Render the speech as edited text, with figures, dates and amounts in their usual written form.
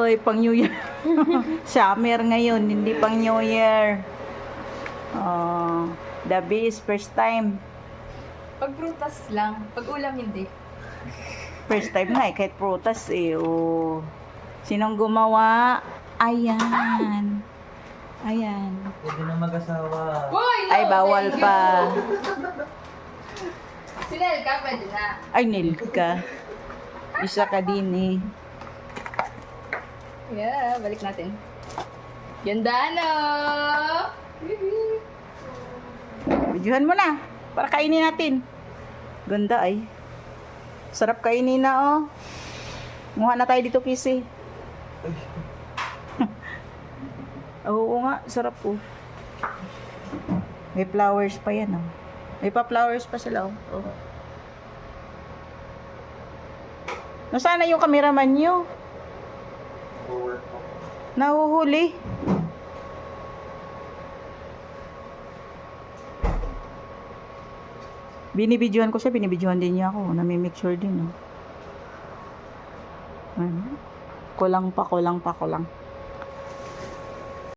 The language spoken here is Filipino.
Oy, pang New Year. Summer ngayon, hindi pang New Year. Oh, the best, first time. Pag prutas lang, pag ulam hindi. First time nga kahit prutas eh. Oh. Sinong gumawa? Ayan. Ayan. Pwede na mag-asawa. Boy, no, Ay, bawal thank you. pa. Si Nelka, pwede na. Ay, Nilka. Isa ka din eh. Yeah, balik natin. Ganda, no? Videohan mo na. Para kainin natin. Ganda ay. Sarap kainin na oh. Muha na tayo dito, Kisi. Oo nga, sarap oh. May flowers pa yan oh. May pa flowers pa sila oh. Oh. Nasaan na yung cameraman nyo? Nahuhuli. Binibidyohan ko siya, binibidyohan din niya ako. Nami-make sure din oh. Ano? Kulang pa.